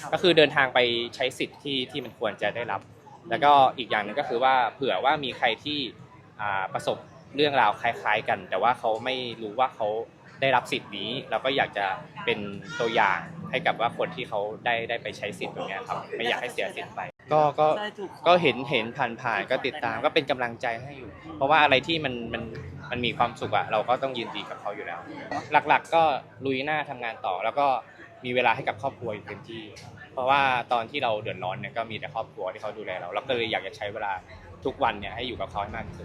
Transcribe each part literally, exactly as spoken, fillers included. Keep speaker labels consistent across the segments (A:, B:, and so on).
A: ก็คือเดินทางไปใช้สิทธิ์ที่ที่มันควรจะได้รับแล้วก็อีกอย่างหนึ่งก็คือว่าเผื่อว่ามีใครที่ประสบเรื่องราวคล้ายๆกันแต่ว่าเขาไม่รู้ว่าเขาได้รับสิทธิ์นี้เราก็อยากจะเป็นตัวอย่างให้กับว่าคนที่เขาได้ได้ไปใช้สิทธิ์ตรงนี้ครับไม่อยากให้เสียสิทธิ์ไปก็ก็ก็เห็นเห็นผ่านๆก็ติดตามก็เป็นกำลังใจให้อยู่เพราะว่าอะไรที่มันมันมันมีความสุขอะเราก็ต้องยินดีกับเขาอยู่แล้วหลักๆก็ลุยหน้าทำงานต่อแล้วก็มีเวลาให้กับครอบครัวอยู่เต็มที่เพราะว่าตอนที่เราเดือดร้อนเนี่ยก็มีแต่ครอบครัวที่เขาดูแลเราเราก็เลยอยากจะใช้เวลาทุกวันเนี่ยให้อยู่กับเขาให้มากที่สุด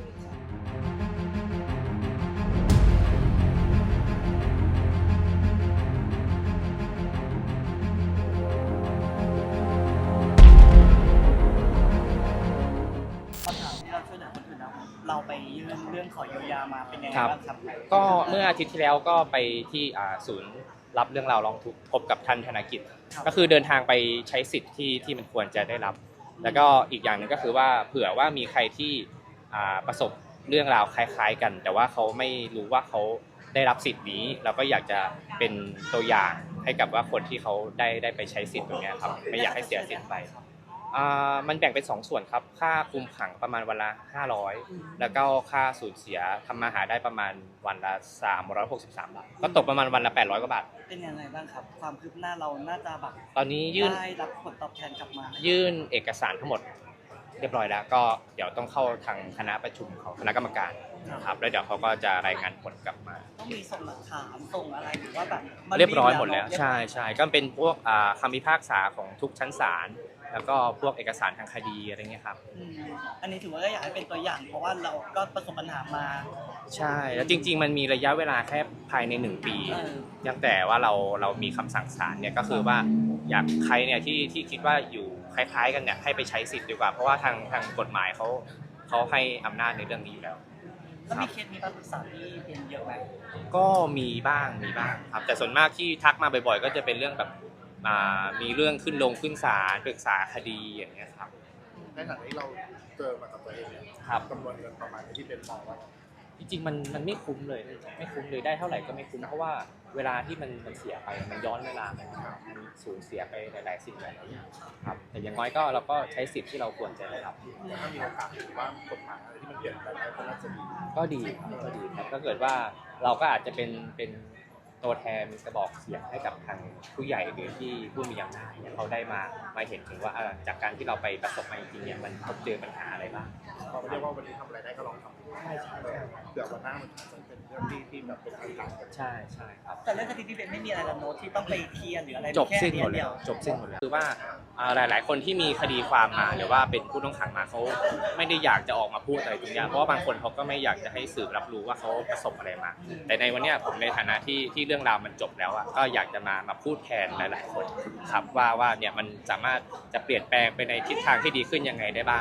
B: เราไปยื่นเรื่องขอเยียวยามาเป็นยังไงบ้างครับ
A: ก็เมื่ออาทิตย์ที่แล้วก็ไปที่ศูนย์รับเรื่องราวร้องทุกข์พบกับท่านธนกิจก็คือเดินทางไปใช้สิทธิ์ที่ที่มันควรจะได้รับแล้วก็อีกอย่างหนึ่งก็คือว่าเผื่อว่ามีใครที่ประสบเรื่องราวคล้ายๆกันแต่ว่าเขาไม่รู้ว่าเขาได้รับสิทธิ์นี้เราก็อยากจะเป็นตัวอย่างให้กับว่าคนที่เขาได้ได้ไปใช้สิทธิ์ตรงนี้ครับไม่อยากให้เสียสิทธิ์ไปมันแบ่งเป็นสองส่วนครับค่าคุมขังประมาณวันละห้าร้อยแล้วก็ค่าสูญเสียทำมาหาได้ประมาณวันละสามร้อยหกสิบสามบาทก็ตกประมาณวันละแปดร้อยกว่าบาท
B: เป็นยังไงบ้างครับความคืบหน้าเราน่าจะแบบ
A: ตอนนี้ยื่น
B: ได้รับผลตอบแทนกลับมา
A: ยื่นเอกสารทั้งหมดเรียบร้อยแล้วก็เดี๋ยวต้องเข้าทางคณะประชุมของคณะกรรมการครับแล้วเดี๋ยวเขาก็จะรายงานผลกลับมา
B: ต้องมีส่งหลักฐานส่งอะไรหรือว่าแบบ
A: เรียบร้อยหมดแล้วใช่ใช่ก็เป็นพวกคำพิพากษาของทุกชั้นศาลแล้วก็พวกเอกสารทางคดีอะไรเงี้ยครับ
B: อันนี้ถือว่าก็อยากให้เป็นตัวอย่างเพราะว่าเราก็ประสบปัญหามา
A: ใช่แล้วจริงๆมันมีระยะเวลาแค่ภายในหนึ่งปียังแต่ว่าเราเรามีคำสั่งศาลเนี่ยก็คือว่าอยากใครเนี่ยที่ที่คิดว่าอยู่คล้ายๆกันเนี่ยให้ไปใช้สิทธิ์ดีกว่าเพราะว่าทางทางกฎหมายเขาเขาให้อำนาจในเรื่องนี้อยู่แล้ว
B: แล้วมีเคสมีการปรึกษาที่เป็นเยอะไหม
A: ก็มีบ้างมีบ้างครับแต่ส่วนมากที่ทักมาบ่อยๆก็จะเป็นเรื่องแบบมีเรื่องขึ้นลงขึ้นศาลปรึกษาคดีอย่างเงี้ยครับ
C: ในฐานะที่เราเจอมากับตัวเองเนี่ยจำนวนเงินประมาณที่เป็นมองว่า
A: จริงๆมันมันไม่คุ้มเลยไม่คุ้มเลยได้เท่าไหร่ก็ไม่คุ้มเพราะว่าเวลาที่มันมันเสียไปมันย้อนเวลามันสูญเสียไปหลายๆสิ่งหลายๆอย่างครับแต่อย่างน้อยก็เราก็ใช้สิทธิ์ที่เราควรจะได้รับ
C: ถ้ามีโอกาสหรือว่ากฎหมายอะไรที่มันเปลี่ยนแปลงไปก็น่าจะดี
A: ก็ดีครับก็ดีครับถ้าเกิดว่าเราก็อาจจะเป็นเป็นตัวแทนกระบอกเสียงให้กับทางผู้ใหญ่หรือที่ผู้มีอำนาจเนี่ยเขาได้มามาเห็นถึงว่าจากการที่เราไปประสบมาจริงๆเนี่ยมันพบเจอปัญหาอะไรบ้าง
C: เราไม่ได้ว่าวันนี้ทำอะไรได้ก็ลองทำใช่ใช่เดี๋ยววันหน้ามันจะเป็นเรื่องที่ที่แบบเป็นอันตราย
A: ใช่ใช่ครับ
B: แต่เรื่องคดีพี่เบนไม่มีอะไรละโน้ตที่ต้องไปเคลียร์หรืออะไร
A: จบสิ้นหมดแล้วจบสิ้นหมดแล้วคือว่าหลายๆคนที่มีคดีความมาหรือว่าเป็นผู้ต้องขังมาเขาไม่ได้อยากจะออกมาพูดอะไรตรงนี้เพราะว่าบางคนเขาก็ไม่อยากจะให้สื่อรับรู้ว่าเขาประสบอะไรมาแต่ในวันนี้ผมในฐานะที่ที่เรื่องราวมันจบแล้วอ่ะก็อยากจะมามาพูดแทนหลายๆคนครับว่าว่าเนี่ยมันสามารถจะเปลี่ยนแปลงไปในทิศทางที่ดีขึ้นยังไงได้บ้าง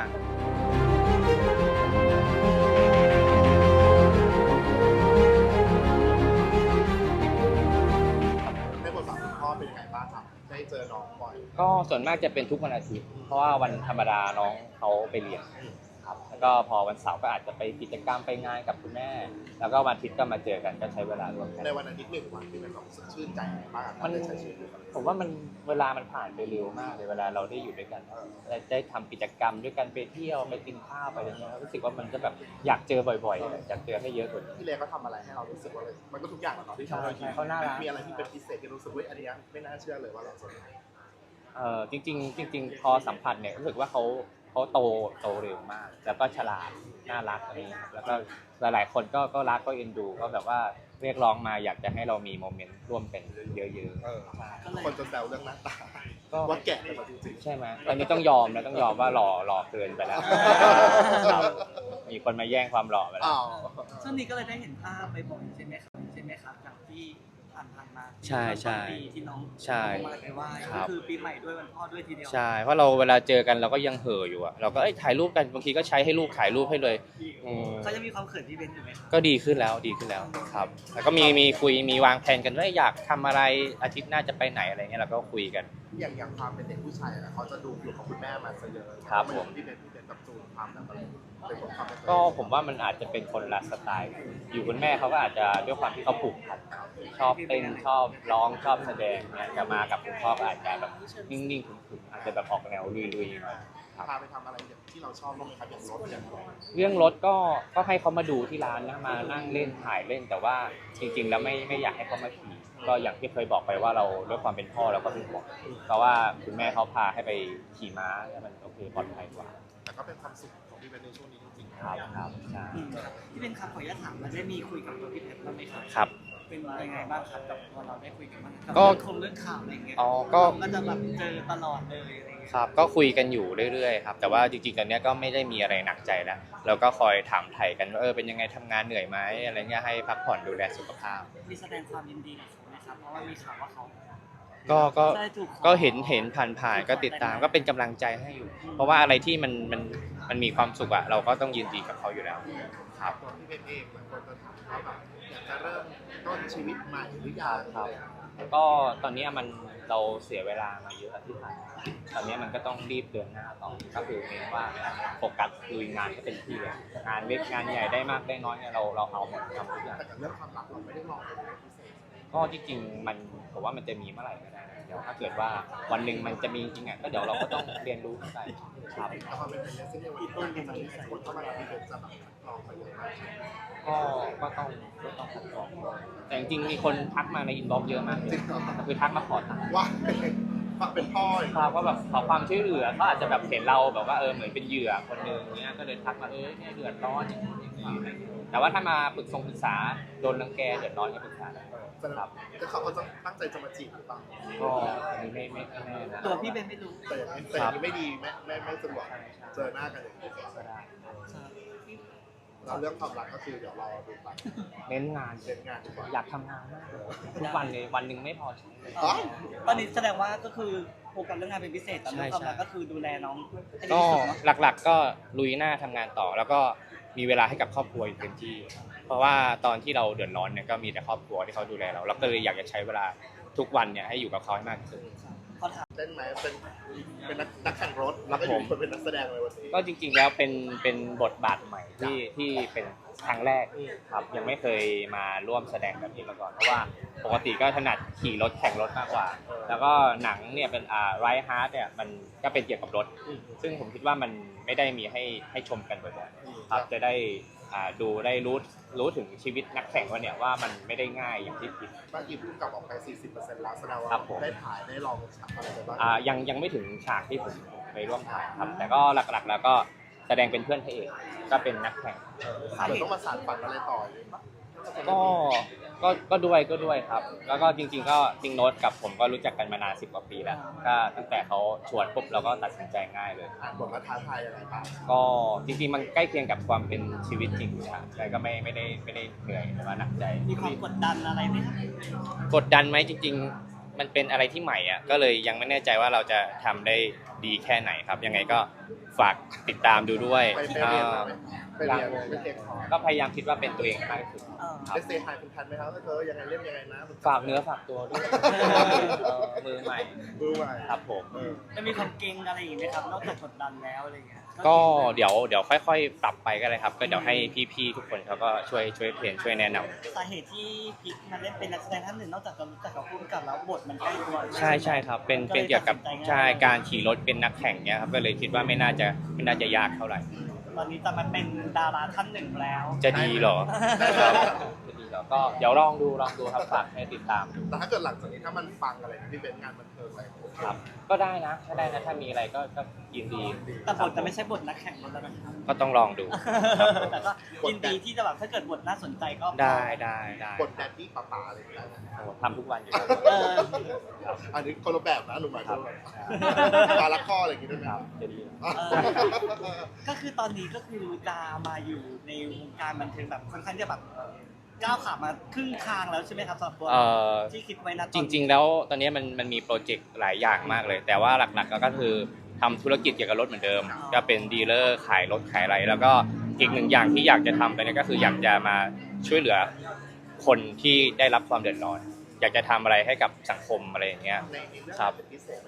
C: ในบทบาทคุณพ่อเป็นยังไงบ้างครับได้เจอน้องบ่อย
A: ก็ส่วนมากจะเป็นทุกวันอาทิตย์เพราะว่าวันธรรมดาน้องเขาไปเรียนครับแล้วก็พอวันเสาร์ก็อาจจะไปกิจกรรมไปงานกับคุณแม่แล้วก็วันอาทิตย์ก็มาเจอกันก็ใช้เวลาร่วมกัน
C: ในวันอาทิตย์หนึ่งวันที่เป็นแบบชื่นใจมากมันได้ใช้ชีวิต
A: ผมว่ามันเวลามันผ่านไปเร็วมากเลยเวลาเราได้อยู่ด้วยกันได้ทำกิจกรรมด้วยกันไปเที่ยวไปกินข้าวไปอะไรเงี้ยรู้สึกว่ามันก็แบบอยากเจอบ่อยๆอยากเจอให้เยอะกว่า
C: พี่เล็กเขาทำอะไรให้เรารู้สึกว่ามันก็ทุกอย่างแหละเนาะที่ทำเรา
A: เขาน่ารัก
C: มีอะไรที่เป็นพิเศษที่รู้สึกว่าอันนี้ไม่น่าเชื่อเลยว่าเราจะ
A: เออจริงๆจริงๆพอสัมผัสเนี่ยรู้สึกว่าเขาเขาโตโตเร็วมากแล้วก็ฉลาดน่ารักอะไรเงี้ยแล้วก็หลายๆคนก็ก็รักก็เอ็นดูก็แบบว่าเรียกร้องมาอยากจะให้เรามีโมเมนต์ร่วมกันเยอะ
C: ๆคนจะแซวเรื่องหน้าตาว่าแก่ไปจริง
A: ๆใช่ไหมตอนนี้ต้องยอมนะต้องยอมว่าหล่อหล่อเกินไปแล้วมีคนมาแย่งความหล่อไปแล้ว
B: ช่วงนี้ก็เลยได้เห็นภาพไปบ่อยใช่ไหมครับใช่ไหมครับจากที่ผ่านๆมา
A: ใช่ใช่
B: ที่น้อง
A: ใช่
B: มาไปไหว้ก็คือปีใหม่ด้วยวันพ่อด้วยทีเดียว
A: ใช่เพราะเราเวลาเจอกันเราก็ยังเห่ออยู่อะเราก็ถ่ายรูปกันบางทีก็ใช้ให้ลูกถ่ายรูปให้เลย
B: เขาจะมีความเขินที่เป็นอยู่ไหม
A: ก็ดีขึ้นแล้วดีขึ้นแล้วครับแล้วก็มีมีคุยมีวางแผนกันว่าอยากทำอะไรอาทิตย์หน้าจะไปไหนอะไรเงี้ยเราก็คุยกัน
C: อย่างอย่างความเป็นเด็กผู้ชายนะเขาจะดูอยู่กับคุณแม่มาซะเยอะ
A: ครับผม
C: ที่เป็นที่เป็นกับจูนความแบบอะไร
A: ก็ผมว่ามันอาจจะเป็นคนละสไตล์อยู่คุณแม่เขาก็อาจจะด้วยความที่เขาผูกพันชอบเต้นชอบร้องชอบแสดงเนี่ยจะมากับคุณพ่อก็อาจจะแบบนิ่งๆขรึมๆอาจจะแบบออกแนวลุยๆหน่อยครับ
C: พาไปทำอะไรอย่างที่เราชอบบ้างไหมครับอย่างรถอย่างอะไร
A: เรื่องรถก็ก็ให้เขามาดูที่ร้านนะมานั่งเล่นถ่ายเล่นแต่ว่าจริงๆแล้วไม่ไม่อยากให้เขามาขี่ก็อย่างที่เคยบอกไปว่าเราด้วยความเป็นพ่อเราก็เป็นห่วงเพราะว่าคุณแม่เขาพาให้ไปขี่ม้าแล้วมันโอเคปลอดภัยกว่า
C: แต่ก็เป็นความสุขของพี่เบนในช่วงนี้จริงๆ
A: ครับครับใช่
B: อืมพี่เป็นครับขออนุญาตถามมันได้มีคุยกับตัวพี่เพชรบ้างไหมครับ
A: ครับ
B: เป็นยังไงบ้างครับกับพอเราได้คุยกันบ้างกับ
A: ก็
B: เรื่องคงเรื่องข่าวอะไรอย่างเงี้ย
A: อ๋อก็
B: เราก็จะแบบเจอตลอดเลยอะไรอย่างเงี้ย
A: ครับก็คุยกันอยู่เรื่อยๆครับแต่ว่าจริงๆตอนนี้ก็ไม่ได้มีอะไรหนักใจแล้วเราก็คอยถามไถ่กันว่าเออเป็นยังไงทำงานเหนื่อยไหมอะไรเงี้ยให้พักผ่อนดูแลสุขภาพ
B: มีแสดงความยินดีกับเขาไหมครับเพราะว่ามีข่าวว่าเขา
A: ก็ก็
B: ได้ถูกขอ
A: ก็เห็นเห็นผ่านๆก็ติดตามก็เป็นกำลังใจให้อยู่ เพราะว่าอะไรที่มันมันมันมีความสุขอะเราก็ต้องยินดีกับเขาอยู่แล้วครับ
C: ตัวพี่เบนเองบางคนจะถามว่าแบบอยากจะเริ่มต้นชีวิตใหม่หรือยัง
A: ครับ ก็ตอนนี้มันเราเสียเวลามาเยอะที่ผ่านมาตอนนี้มันก็ต้องรีบเดินหน้าต่อก็คือเน้นว่าโฟกัสลุยงานก็เป็นที่เลยงานเล็กงานใหญ่ได้มากได้น้อยเนี่ยเราเราเอาหมดทำทุกอย่าง
C: แต่กับเรื่องความรักเราไม่ได้มองเป็นพิเศษ
A: ก็ที่จริงมันผมว่ามันจะมีเมื่อไหร่ก็ได้นะเดี๋ยวถ้าเกิดว่าวันหนึ่งมันจะมีจริงอ่ะก็เดี๋ยวเราก็ต้องเรียนรู้กันไปครับ
C: แต่พอเป็นเป็นเรื่องที่วันนี้ต้นเป็นอะไรที่คนเข้ามาที่เป็นจะแบบลองไปเยอะมาก
A: ก็ก็ต้องก็ต้องคัดกรองแต่จริงๆมีคนทักมาในอินบ็อกซ์เยอะมากเลยคือทักมาขอตังค์
C: ว่าฝักเป็นพ่ออีก
A: ครับว่าแบบขอความช่วยเหลือเขาอาจจะแบบเห็นเราแบบว่าเออเหมือนเป็นเหยื่อคนหนึ่งเนี้ยก็เลยทักมาเออเนี่ยเดือดร้อนอย่างนี้อย่างนี้แต่ว่าถ้ามาปรึกษงปรึกษาโดนรังแกเดือดร้อนก็ปรึกษาได้
C: จะ
A: ครับ
C: จะเขาเขาจะตั้งใจจะมาจีบหรือเปล่า
A: ก็อันนี้ไม่ไม่ไม่แน่นะ
B: ตัวพี่เบนไม่รู้
C: แต่อย่างนี้แต่อย่างนี้ไม่ดีไม่ไม่ไม่สะดวกเจอหน้ากันอย่างนี้
A: ก็ได้
C: เราเรื่องความรักก็คือเดี๋ยวรอดูไป
A: เน้นงาน
C: เรียนงานดีกว่า
A: อยากทำงานมากเลยทุกวันเลยวันหนึ่งไม่พอใช้เลย
C: อ๋อ
B: ตอนนี้แสดงว่าก็คือโฟกัสเรื่องงานเป็นพิเศษแต่เรื่องความรัก
A: ใช่
B: ก็คือดูแลน้องให้ดี
A: ก็
B: ที่สุดเนาะ
A: หลักๆก็ลุยหน้าทำงานต่อ แล้วก็มีเวลาให้กับครอบครัวอยู่เต็มที่ เพราะว่าตอนที่เราเดือดร้อนเนี่ยก็มีแต่ครอบครัวที่เขาดูแลเราเราก็เลยอยากจะใช้เวลาทุกวันเนี่ยให้อยู่กับเขาให้มากที่สุด
B: ขอถาม
C: เล่นไหมเป็นเป็นนักนักแข่งรถแล้วก็อยู่คนเป็นนักแสดงเลยวันนี้
A: ก็จริงๆแล้วเป็นเป็นบทบาทใหม่ที่ที่เป็นครั้งแรกครับยังไม่เคยมาร่วมแสดงแบบนี้มาก่อนเพราะว่าปกติก็ถนัดขี่รถแข่งรถมากกว่า แล้วก็หนังเนี่ยเป็นอ่าไรฮาร์ดเนี่ยมันก็เป็นเกี่ยวกับรถ ซึ่งผมคิดว่ามันไม่ได้มีให้ให้ชมกันบ่อยๆครับจะได้อ่าดูได้รู้รู้ถึงชีวิตนักแข่งว่าเนี่ยว่ามันไม่ได้ง่ายอย่างที่คิด
C: บ้านอีพุ่งกลับออกไป สี่สิบเปอร์เซ็นต์ แล้วแสดงว่า
A: ครับผม
C: ได้ถ่ายได้ลองฉากอะไรไปบ้าง
A: อ่ายังยังไม่ถึงฉากที่ผมไปร่วมถ่ายครับแต่ก็หลักๆ แล้วก็แสดงเป็นเพื่อนพระเอกก็เป็นนักแข่ง
C: เหมือนต้องมาสานฝันอะไรต่อเลยปะ
A: ก็ก็ก็ด้วยก็ด้วยครับ แล้วก็จริงๆก็จริงโน้ตกับผมก็รู้จักกันมานานสิบกว่าปีแล้วก็ตั้งแต่เขาชวนปุ๊บเราก็ตัดสินใจง่ายเลย
C: อ่านบทมาท้าทายยังไงบ้าง
A: ก็จริงๆมันใกล้เคียงกับความเป็นชีวิตจริงครับใช่ก็ไม่ไม่ได้ไม่ได้เหนื่อยหรือว่าหนักใจ
B: มีความกดดันอะไรไหมครับ
A: กดดันไหมจริง ๆ มันเป็นอะไรที่ใหม่อ่ะก็เลยยังไม่แน่ใจว่าเราจะทำได้ดีแค่ไหนครับ ยังไงก็ฝากติดตามดูด้วย
C: ไปไปเรียนมาไหมไปเรียนไปเทคคอร์ส
A: ก็พยายามคิดว่าเป็นตัวเองให้มากที่สุด
B: เออ
A: ครับ
C: ได้เซฮายคุณทันไหมครับเธอยังไงเล่นยังไงนะ
A: ฝากเนื้อฝากตัวด้วยเออมือใหม่
C: ดูใหม่
A: ครับผม
C: เออ
B: จะมีความเก่งอะไรอย่างเงี้ยครับนอกจากกดดันแล้วอะไรเงี้ย
A: ก็เดี๋ยวเดี๋ยวค่อยๆ ปรับไปก็เลยครับ ก็เดี๋ยวให้พี่ๆทุกคนเขาก็ช่วยช่วยเทรนช่วยแนะนำ
B: สาเหตุที่พิกมาเล่นเป็นนักแสดงท่านหนึ่งนอกจากจะรู้จักกับผู้กำกับแล้วบทมันใกล้ตัว
A: ใช่ใช่ครับ เป็นเป็นเกี่ยวกับใช่การขี่รถเป็นนักแข่งเนี้ยครับก็เลยคิดว่าไม่น่าจะไม่น่าจะยากเท่าไหร่
B: ตอนนี้จะมาเป็นดาราท่านหนึ่งแล้ว
A: จะดีเหรอครับจะดีเหรอก็เดี๋ยวลองดูลองดูครับฝากให้ติดตามดู
C: แต่ถ้าเกิดหลังจากนี้ถ้ามันฟังอะไรที่เป็นงานบันเทิงอะไร
A: ครับ ก็ได้นะถ้าได้นะถ้ามีอะไรก็ก็ยินดี
B: แต่บทจะไม่ใช่บทนักแข่งรถแล้วนะครับ
A: ก็ต้องลองดู
B: แต่ก็ยินดีที่จะแบบถ้าเกิดบทน่าสนใจก็
A: ได้ได้ได้
C: กดแดดดี้ป๋าป๋าอะไรอย่างเงี้ย
A: โอ้โหทำทุกวันอยู่แล้ว
B: เออ
A: ครับ
C: อันนี้คนละแบบนะหนุ่มหมาย
A: ครั
C: ถึ
A: บ
C: งปลาละข้ออะไรอย่างงี้ด้วย
A: ค
C: นะ
A: รับจะดี
B: เออก็คือตอนนี้ก็คือจะมาอยู่ในวงการบันเทิงแบบค่อนข้างจะแบบก้าวขามาครึ่งทางแล้วใช่ไหมครับสำหรับตัว
A: เอ่อ
B: ที่คิดไว้นะตอน
A: จ
B: นี้
A: ริงๆ แล้วตอนนี้มันมันมีโปรเจกต์หลายอย่างมากเลย แต่ว่าหลักๆก็คือทำธุรกิจเกี่ยวกับรถเหมือนเดิม ก็เป็นดีลเลอร์ขายรถขายอะไร แล้วก็อีกหนึ่งอย่างที่อยากจะทำไปเนี่ยก็คืออยากจะมาช่วยเหลือคนที่ได้รับความเดือดร้อน อยากจะทำอะไรให้กับสังคมอะไรอย่างเงี้ย
C: ในในเรื่อง
A: ครับ
C: เป็นพิเศษไหมครับ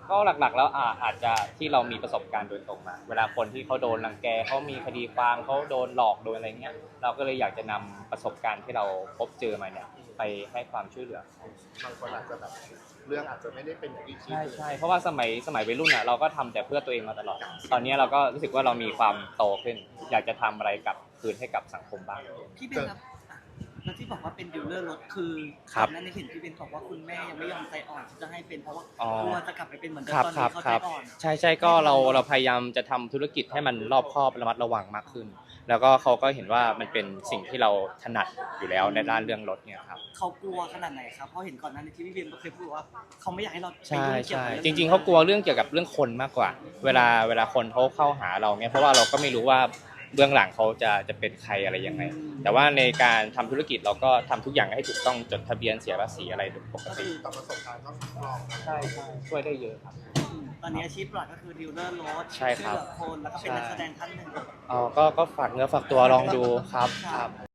A: ก็หลักๆ แล้วอ่าอาจจะที่เรามีประสบการณ์โดยตรงมา เวลาคนที่เขาโดนรังแกเขามีคดีความเขาโดนหลอกโดนอะไรเงี้ยเราก็เลยอยากจะนำประสบการณ์ที่เราพบเจอมาเนี่ยไปให้ความช่วยเหลือ
C: บางคนอาจจะแบบเรื่องอาจจะไม่ได้เป็นอย่างที่คิด
A: ใช่ใช่เพราะว่าสมัยสมัยวัยรุ่นอ่ะเราก็ทำแต่เพื่อตัวเองมาตลอด ตอนนี้เราก็รู้สึกว่าเรามีความโตขึ้น อยากจะทำอะไรกลับคืนให้กับสังคมบ้าง
B: พี่เบนครับอ่ะแล้วที่บอกว่าเป็นดีลเลอร์รถคือ
A: ครับ
B: ก่อนหนั้นในเห็นพี่เบนบอกว่าคุณแม่ยังไม่ยอมใจอ่อนที่จะให้เป็นเพราะว่า
A: อ๋อ
B: กลัวจะกลับไปเป็นเหมือนเดิม
A: ครับ
B: ตอน
A: ครั
B: นี้
A: บ
B: เขา
A: ค
B: ใจ
A: รับ
B: อ่อน
A: ใช่ใช่ก็เราเราพยายามจะทำธุรกิจให้มันรอบคอบระมัดระวังมากขึ้น แล้วก็เขาก็เห็นว่ามันเป็นสิ่งที่เราถนัดอยู่แล้วในด้านเรื่องรถเนี่ยครับ
B: เขากลัวขนาดไหนครับเพราะเห็นก่อนหนั้นที่พี่เบนเคยพูดว่าเขาไม่อยากให้เราไป
A: ใช่
B: ยุ่งเกี่ยว
A: ใช่
B: กับ
A: จริง ๆเขากลัวเรื่องเกี่ยวกับเรื่องคนมากกว่า เวลาเวลาคนเขาเข้าหาเราเนี่ยเพราะว่าเราก็ไม่รู้ว่าเบื้องหลังเขาจะจะเป็นใครอะไรยังไง แต่ว่าในการทำธุรกิจเราก็ทำทุกอย่างให้ถูกต้องจดทะเบียนเสียภาษีอะไรปก
B: ก็
A: ติ
B: คือ
C: กับประสบการณ์ก็ลอง
A: ใช่ใช่ช่วยได้เยอะครับ
B: อืมตอนนี้อาชีพหลักก็คือดีลเลอร์รถ
A: ใช่ครับ
B: ช่วยเหลือคนแล้วก็เป็นนักแสดงท่านหนึ่ง
A: อ๋อก็ก็ฝากเนื้อฝากตัวลองดูครับครับ